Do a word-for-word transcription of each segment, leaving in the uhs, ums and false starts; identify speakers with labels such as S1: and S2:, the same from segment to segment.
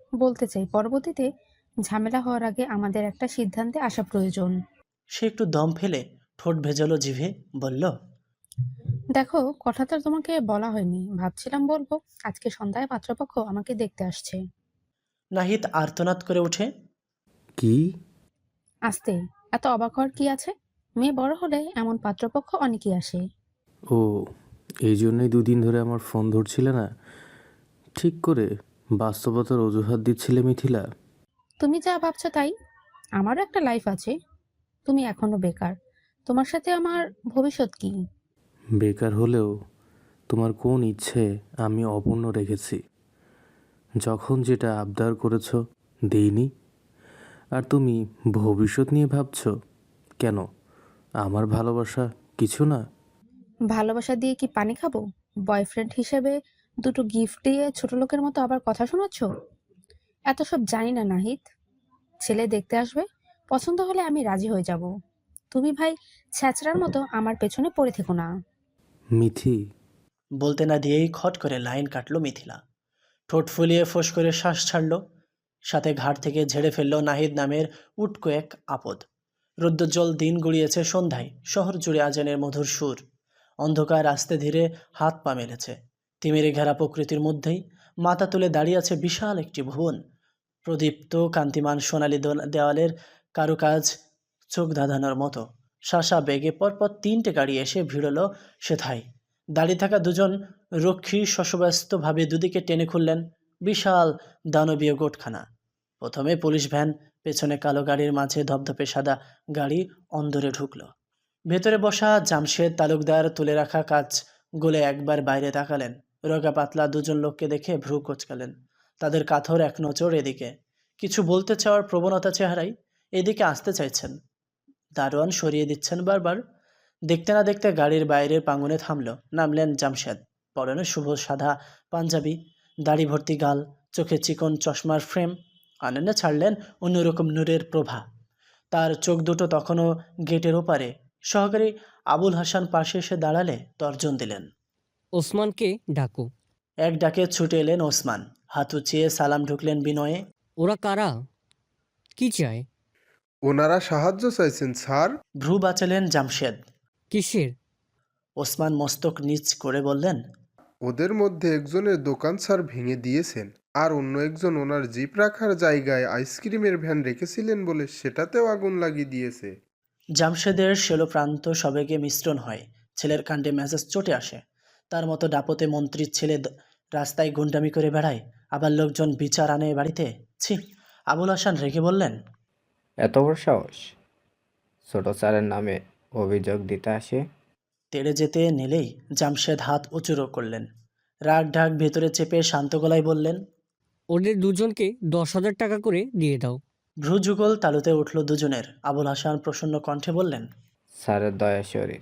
S1: বলতে চাই পরবর্তীতে ঝামেলা হওয়ার আগে আমাদের একটা সিদ্ধান্তে আসা প্রয়োজন।
S2: সে একটু দম ফেলে ঠোঁট ভেজালো জিভে, বলল,
S1: দেখো, কথাটা তোমাকে বলা হয়নি, ভাবছিলাম বলবো। আজকে সন্ধ্যায় পাত্রপক্ষ আমাকে দেখতে আসছে।
S2: নাহিদ আর্তনাদ করে ওঠে।
S3: কি?
S1: আসতে এত অবাক হওয়ার কি আছে? মেয়ে বড় হলে এমন পাত্রপক্ষ অনেকেই আসে।
S3: ও, এই জন্যই দুদিন ধরে আমার ফোন ধরছিলে না? ঠিক করে বাস্তবতার অজুহাত দিচ্ছিলে মিথিলা।
S1: তুমি যা ভাবছো তাই। আমারও একটা লাইফ আছে। তুমি এখনো বেকার। তোমার সাথে আমার ভবিষ্যৎ কি?
S3: বেকার হলেও তোমার কোন ইচ্ছে আমি অপূর্ণ রেখেছি? যখন যেটা আবদার করেছ দেইনি, আর তুমি ভবিষ্যৎ নিয়ে ভাবছো কেন? আমার ভালোবাসা কিছু না?
S1: ভালোবাসা দিয়ে কি পানি খাবো? বয়ফ্রেন্ড হিসেবে দুটো গিফট দিয়ে ছোট লোকের মতো আবার কথা শোনাচ্ছ? এত সব জানি না নাহিদ। ছেলে দেখতে আসবে, পছন্দ হলে আমি রাজি হয়ে যাব। তুমি ভাই ছ্যাচড়ার মতো আমার পেছনে পড়ে থেকো না।
S3: মিথি,
S2: বলতে না দিয়েই খট করে লাইন কাটলো মিথিলা। ঠোঁট ফুলিয়ে ফোঁস করে শ্বাস ছাড়ল। সাথে ঘাট থেকে ঝেড়ে ফেলল নাহিদ নামের উটকো এক আপদ। রৌদ্রোজ্জ্বল দিন গড়িয়েছে সন্ধ্যায়, শহর জুড়ে আজানের মধুর সুর। অন্ধকার আস্তে ধীরে হাত পা মেলেছে। তিমিরে ঘেরা প্রকৃতির মধ্যেই মাথা তুলে দাঁড়িয়ে আছে বিশাল একটি ভুবন। প্রদীপ্ত কান্তিমান সোনালি দোল- দেওয়ালের কারুকাজ চোখ ধাঁধানোর মতো। শাসা বেগে পরপর তিনটে গাড়ি এসে ভিড়ল সেথায়। দাঁড়িয়ে থাকা দুজন রক্ষী শশব্যস্তভাবে দুদিকে টেনে খুললেন বিশাল দানবীয় গোটখানা। প্রথমে পুলিশ ভ্যান, পেছনে কালো গাড়ির মাঝে ধপধপে সাদা গাড়ি অন্দরে ঢুকল। ভেতরে বসা জামশেদ তালুকদার তুলে রাখা কাজ গলে একবার বাইরে তাকালেন। রোগা পাতলা দুজন লোককে দেখে ভ্রু কোচকালেন। তাদের কাথর এক নজর এদিকে। কিছু বলতে চাওয়ার প্রবণতা চেহারায় এদিকে আসতে চাইছেন। দারোয়ান সরিয়ে দিচ্ছেন বারবার। দেখতে না দেখতে গাড়ির বাইরের প্রাঙ্গণে থামল। নামলেন জামশেদ। পরনে শুভ সাদা পাঞ্জাবি, দাড়ি ভর্তি গাল, চোখে চিকন চশমার ফ্রেম। আনন্দে ছাড়লেন অন্যরকম নূরের প্রভা। তার চোখ দুটো তখনও গেটের ওপারে। সহকারী আবুল হাসান পাশে এসে দাঁড়ালে তর্জন দিলেন।
S4: ওসমানকে ডাকো।
S2: এক ডাকে ছুটে এলেন ওসমান। হাত উঁচিয়ে সালাম ঢুকলেন বিনয়ে।
S4: ওরা কারা? কি চায়?
S5: ওনারা সাহায্য চাইছেন স্যার।
S2: ভ্রু বাঁচালেন জামশেদ।
S4: কিসের?
S2: ওসমান মস্তক নিচ করে বললেন,
S5: ওদের মধ্যে একজনের দোকান স্যার ভেঙে দিয়েছেন, আর অন্য একজন ওনার জিপ রাখার জায়গায় আইসক্রিমের ভ্যান রেখেছিলেন বলে সেটাতেও আগুন লাগিয়ে দিয়েছে।
S2: জামশেদের শেলোপ্রান্ত সবেগে মিশ্রণ হয়। ছেলের কাণ্ডে মেজাজ চটে আসে। তার মতো ডাপতে মন্ত্রীর ছেলে দ- রাস্তায় গুন্ডামি করে বেড়ায়, আবার লোকজন বিচার আনে বাড়িতে। ছি! আবুল হাসান রেগে বললেন,
S6: এত বড় সাহস! ছোট স্যারের নামে অভিযোগ দিতে আসে?
S2: তেড়ে যেতে নিলেই জামশেদ হাত উঁচুরো করলেন। রাগ ঢাক ভেতরে চেপে শান্ত গলায় বললেন।
S4: ওদের দুজনকে দশ হাজার টাকা করে দিয়ে দাও।
S2: ভ্রু যুগল তালুতে উঠল দুজনের। আবুল হাসান প্রসন্ন কণ্ঠে বললেন।
S6: স্যারের দয়া শরীর।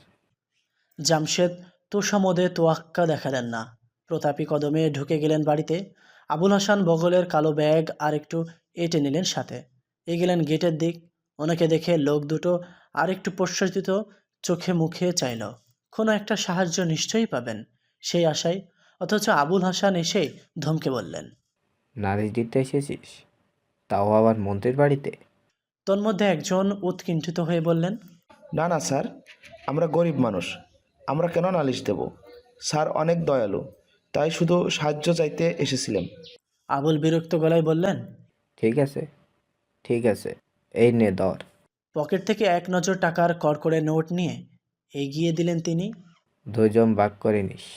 S2: জামশেদ তোষামোদে তোয়াক্কা দেখালেন না। প্রতাপী কদমে ঢুকে গেলেন বাড়িতে। আবুল হাসান বগলের কালো ব্যাগ আর একটু এঁটে নিলেন সাথে। এগেলেন গেটের দিক। ওনাকে দেখে লোক দুটো আর একটু প্রশ্বাসিত চোখে মুখে চাইল। কোনো একটা সাহায্য নিশ্চয়ই পাবেন সেই আশায়। অথচ আবুল হাসান এসে ধমকে বললেন।
S6: নালিশ দিতে এসেছিস? তাও আবার মন্ত্রীর বাড়িতে?
S2: তন্মধ্যে একজন উৎকণ্ঠিত হয়ে বললেন,
S7: না না স্যার, আমরা গরিব মানুষ, আমরা কেন নালিশ দেব? স্যার অনেক দয়ালু, তাই শুধু সাহায্য চাইতে এসেছিলাম।
S2: আবুল বিরক্ত গলায় বললেন।
S6: ঠিক আছে, ঠিক আছে, এই নে ধর।
S2: পকেট থেকে এক নজর টাকার কড়কড়ে নোট নিয়ে এগিয়ে দিলেন তিনি।
S6: দুজন ভাগ করে নিস।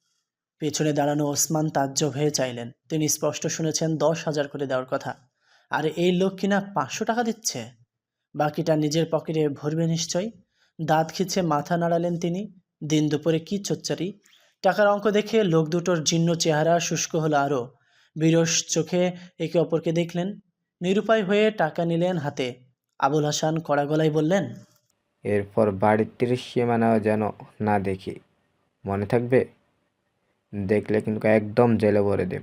S2: পেছনে দাঁড়ানো ওসমান তাজ্জব হয়ে চাইলেন। তিনি স্পষ্ট শুনেছেন দশ হাজার করে দেওয়ার কথা, আর এই লোক কিনা পাঁচশো টাকা দিচ্ছে। বাকিটা নিজের পকেটে ভরবে নিশ্চয়। দাঁত খিচে মাথা নাড়ালেন তিনি। দিন দুপুরে কি চচ্চারি! টাকার অঙ্ক দেখে লোক দুটোর জীর্ণ চেহারা শুষ্ক হলো আরও। বিরস চোখে একে অপরকে দেখলেন। নিরুপায় হয়ে টাকা নিলেন হাতে। আবুল হাসান কড়া গলায় বললেন,
S6: এরপর বাড়ির তিরিশ সীমানাও যেন না দেখি, মনে থাকবে? দেখলে কিন্তু একদম জেলে ভরে দেব।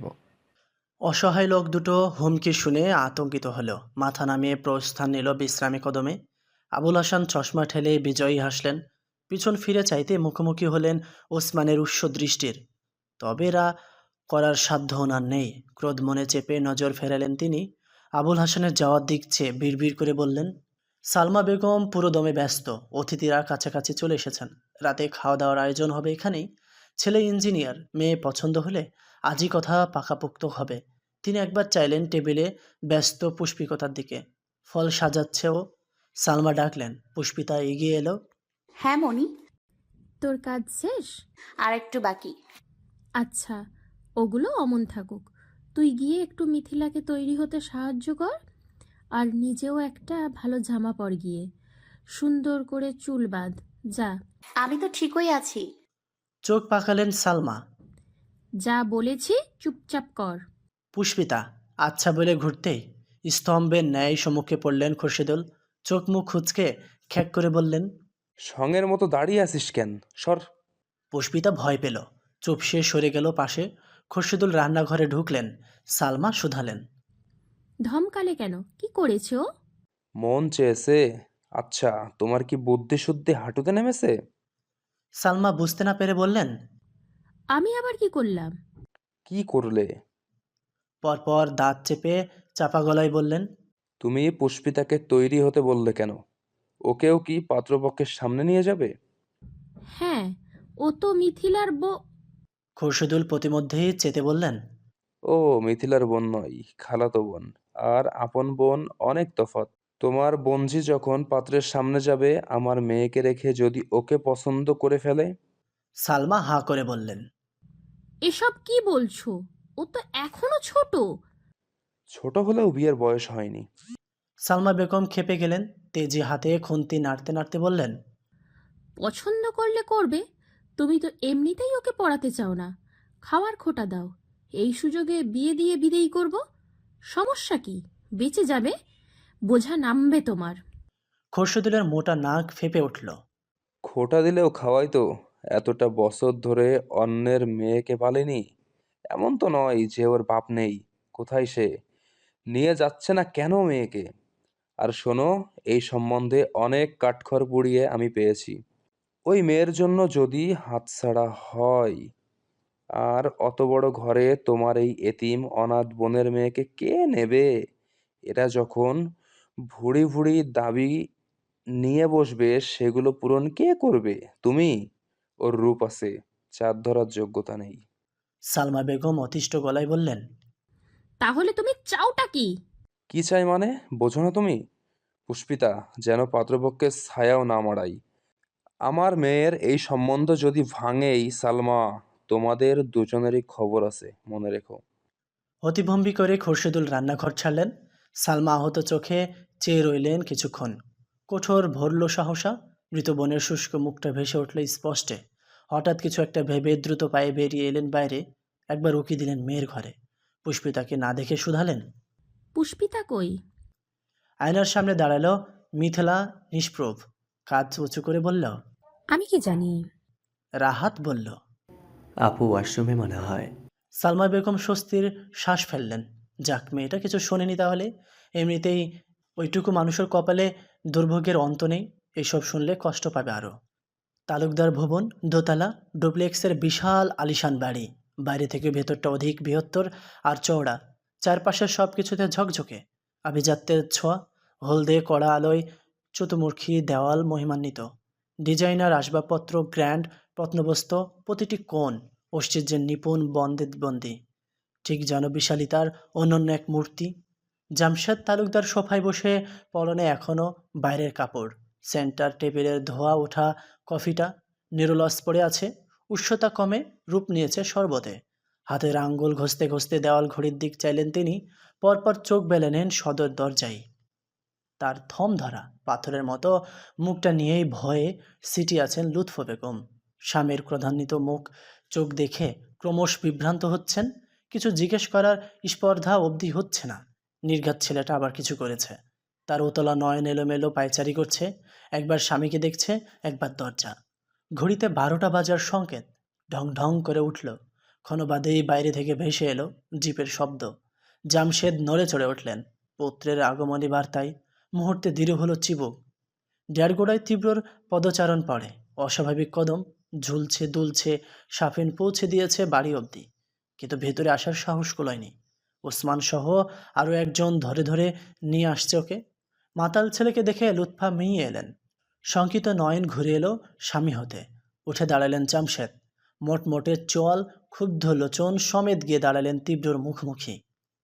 S2: অসহায় লোক দুটো হুমকি শুনে আতঙ্কিত হলো। মাথা নামিয়ে প্রস্থান নিল বিশ্রামী কদমে। আবুল হাসান চশমা ঠেলে বিজয়ী হাসলেন। পিছন ফিরে চাইতে মুখোমুখি হলেন ওসমানের উৎস দৃষ্টির। তবে এরা করার সাধ্য ওনার নেই। ক্রোধ মনে চেপে নজর ফেরালেন তিনি। আবুল হাসানের যাওয়ার দিক চেয়ে বিড়বিড় করে বললেন, সালমা বেগম পুরো দমে ব্যস্ত। অতিথিরা কাছাকাছি চলে এসেছেন। রাতে খাওয়া দাওয়ার আয়োজন হবে এখানেই। ছেলে ইঞ্জিনিয়ার, মেয়ে পছন্দ হলে আজই কথা পাকাপোক্ত হবে। তিনি একবার চাইলেন টেবিলে ব্যস্ত পুষ্পিকতার দিকে। ফল সাজাচ্ছে ও। সালমা ডাকলেন। পুষ্পিতা এগিয়ে এলো।
S8: হ্যাঁ মনি,
S9: তোর কাজ শেষ?
S8: আর একটু বাকি।
S9: আচ্ছা, ওগুলো অমন থাকুক। তুই গিয়ে একটু মিথিলাকে তৈরি হতে সাহায্য কর, আর নিজেও একটা ভালো জামা পর গিয়ে। সুন্দর করে চুল বাঁধ, যা।
S8: আমি তো ঠিকই আছি।
S2: চোখ পাকালেন সালমা।
S9: যা বলেছি চুপচাপ কর।
S2: পুষ্পিতা আচ্ছা বলে ঘুরতেই স্তম্ভের ন্যায় সম্মুখে পড়লেন খোরশেদুল। চোখ মুখ খুঁচকে খ্যাক করে বললেন,
S3: সঙের মতো দাঁড়িয়ে আছিস কেন? সর।
S2: পুষ্পিতা ভয় পেল, চুপসে সরে গেল পাশে। খোরশেদুল রান্নাঘরে ঢুকলেন। সালমা শুধালেন,
S9: ধমকালে কেন? কি করেছে ও?
S3: মন চেয়েছে। আচ্ছা, তোমার কি বুদ্ধি শুদ্ধি হাঁটুতে নেমেছে?
S2: সালমা বুঝতে না পেরে বললেন,
S9: আমি আবার কি করলাম?
S3: কি করলে?
S2: পরপর দাঁত চেপে চাপা গলায় বললেন,
S3: তুমি পুষ্পিতাকে তৈরি হতে বললে কেন? ওকেও কি পাত্রপক্ষের সামনে নিয়ে যাবে?
S9: হ্যাঁ, ও তো মিথিলার বো।
S2: খোরশেদুল প্রতিমধ্যেই চেতে বললেন,
S3: ও মিথিলার বোন নয়, খালাতো বোন। আর আপন বোন অনেক তফাৎ। তোমার বোনঝি যখন পাত্রের সামনে যাবে, আমার মেয়েকে রেখে যদি ওকে পছন্দ করে ফেলে?
S2: সালমা হাঁ করে বললেন,
S9: এসব কি বলছো? ও তো এখনো ছোট।
S3: ছোট হলেও বিয়ের বয়স হয়নি।
S2: সালমা বেগম খেপে গেলেন। তেজি হাতে খুন্তি নাড়তে নাড়তে বললেন,
S9: পছন্দ করলে করবে, তুমি তো এমনিতেই ওকে পড়াতে চাও না। খাওয়ার খোটা দাও, এই সুযোগে বিয়ে দিয়ে বিদেয়ী করব। সমস্যা কি? বেঁচে যাবে, বোঝা নামবে তোমার।
S2: খোরশেদুলের মোটা নাক ফেপে উঠল।
S3: খোটা দিলেও খাওয়াই তো। এতটা বছর ধরে অন্যের মেয়েকে পালেনি। এমন তো নয় যে ওর বাপ নেই। কোথায় সে? নিয়ে যাচ্ছে না কেন মেয়েকে? আর শোনো, এই সম্বন্ধে অনেক কাঠখড় পুড়িয়ে আমি পেয়েছি। ওই মেয়ের জন্য যদি হাতছাড়া হয়, আর অত বড় ঘরে তোমার এই এতিম অনাথ বোনের মেয়েকে কে নেবে? এরা যখন ভুড়ি ভুড়ি দাবি নিয়ে বসবে, সেগুলো পূরণ কে করবে? তুমি? ওর রূপ আছে, চাঁদ ধরার যোগ্যতা নেই।
S2: সালমা বেগম অতিষ্ঠ গলায় বললেন,
S9: তাহলে তুমি চাওটা কি?
S3: কি চাই মানে? বোঝো না তুমি? পুষ্পিতা, যেন পাত্রপক্ষের ছায়াও না মাড়াই। আমার মেয়ের এই সম্বন্ধ যদি ভাঙেই, সালমা, তোমাদের দুজনেরই খবর আছে, মনে রেখো।
S2: অতিভম্বি করে খোরশেদুল রান্নাঘর ছাড়লেন। সালমা আহত চোখে চেয়ে রইলেন কিছুক্ষণ। কঠোর ভরল সহসা। মৃত বোনের শুষ্ক মুখটা ভেসে উঠল স্পষ্টে। হঠাৎ কিছু একটা ভেবে দ্রুত পায়ে বেরিয়ে এলেন বাইরে। একবার উকি দিলেন মেয়ের ঘরে। পুষ্পিতাকে না দেখে শুধালেন,
S9: পুষ্পিতা কই?
S2: আয়নার সামনে দাঁড়ালো মিথিলা নিষ্প্রভ। কাঁধ উঁচু করে বলল,
S1: আমি কি জানি?
S2: রাহাত বলল,
S10: আপু ওয়াশরুমে মনে হয়।
S2: সালমা বেগম স্বস্তির শ্বাস ফেললেন। যাক, মেয়েটা কিছু শোনেনি তাহলে। এমনিতেই ওইটুকু মানুষের কপালে দুর্ভোগের অন্ত নেই। এসব শুনলে কষ্ট পাবে আরও। তালুকদার ভবন, দোতলা, ডুপ্লেক্সের বিশাল আলিশান বাড়ি। বাইরে থেকে ভেতরটা অধিক বৃহত্তর আর চওড়া। চারপাশের সব কিছুতে ঝকঝকে আভিজাত্যের ছোঁয়া। হলদে কড়া আলোয় চতুর্মুখী দেওয়াল মহিমান্বিত। ডিজাইনার আসবাবপত্র, গ্র্যান্ড প্রত্নবস্ত্র, প্রতিটি কোণ ঐশ্বর্যের নিপুণ বন্দে বন্দি। ঠিক যেন বিশালিতার অনন্য এক মূর্তি। জামশেদ তালুকদার সোফায় বসে, পরনে এখনও বাইরের কাপড়। সেন্টার টেবিলের ধোয়া ওঠা কফিটা নিরলস পড়ে আছে। উষ্ণতা কমে রূপ নিয়েছে শরবতে। হাতের আঙ্গুল ঘষতে ঘষতে দেওয়াল ঘড়ির দিক চাইলেন তিনি। পরপর চোখ বেলে নেন সদর দরজায়। তার থম ধরা পাথরের মতো মুখটা নিয়েই ভয়ে সিটি আছেন লুৎফ বেগম। স্বামীর ক্রোধান্বিত মুখ চোখ দেখে ক্রমশ বিভ্রান্ত হচ্ছেন। কিছু জিজ্ঞেস করার স্পর্ধা অবধি হচ্ছে না। নির্ঘাত ছেলেটা আবার কিছু করেছে। তার উতলা নয়ন এলোমেলো পায়চারি করছে। একবার স্বামীকে দেখছে, একবার দরজা। ঘড়িতে বারোটা বাজার সংকেত। ঢং ঢং করে উঠল। ক্ষণবাদেই বাইরে থেকে ভেসে এলো জিপের শব্দ। জামশেদ নড়ে চড়ে উঠলেন পুত্রের আগমনী বার্তায়। মুহূর্তে দৃঢ় হলো চিবুক। ডেরগোড়ায় তীব্রর পদচারণ পড়ে। অস্বাভাবিক কদম ঝুলছে দুলছে। সাফিন পৌঁছে দিয়েছে বাড়ি অবধি। কিন্তু ভেতরে আসার সাহস কুলায়নি। ওসমান সহ আরও একজন ধরে ধরে নিয়ে আসছে ওকে। মাতাল ছেলেকে দেখে লুৎফা মেয়ে এলেন। শঙ্কিত নয়ন ঘুরে এলো স্বামী হতে। উঠে দাঁড়ালেন জামশেদ। মোটমোটে চোয়াল, ক্ষুব্ধ লোচন সমেত গিয়ে দাঁড়ালেন তীব্রর মুখোমুখি।